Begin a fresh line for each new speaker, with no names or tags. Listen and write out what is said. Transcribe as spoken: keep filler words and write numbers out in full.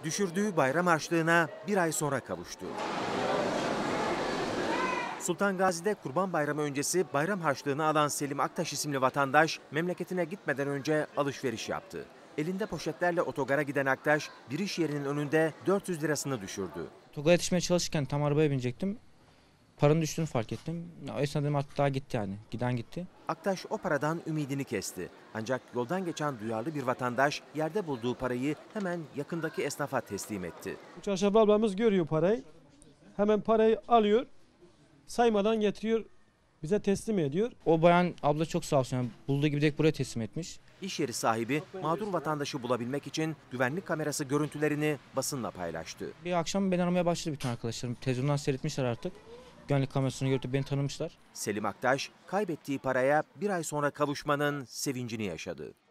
düşürdüğü bayram harçlığına bir ay sonra kavuştu. Sultan Gazi'de Kurban Bayramı öncesi bayram harçlığını alan Selim Aktaş isimli vatandaş memleketine gitmeden önce alışveriş yaptı. Elinde poşetlerle otogara giden Aktaş bir iş yerinin önünde dört yüz lirasını düşürdü.
Otogara yetişmeye çalışırken tam arabaya binecektim. Paranın düştüğünü fark ettim. O esnada dedim artık daha gitti yani. Giden gitti.
Aktaş o paradan ümidini kesti. Ancak yoldan geçen duyarlı bir vatandaş yerde bulduğu parayı hemen yakındaki esnafa teslim etti.
Çarşaf ablamız görüyor parayı. Hemen parayı alıyor. Saymadan getiriyor. Bize teslim ediyor.
O bayan abla çok sağ olsun. Yani bulduğu gibi direkt buraya teslim etmiş.
İş yeri sahibi mağdur vatandaşı bulabilmek için güvenlik kamerası görüntülerini basınla paylaştı.
Bir akşam beni aramaya başladı bütün arkadaşlarım. Televizyondan seyretmişler artık. Güvenlik kamerasını görüp beni tanımışlar.
Selim Aktaş kaybettiği paraya bir ay sonra kavuşmanın sevincini yaşadı.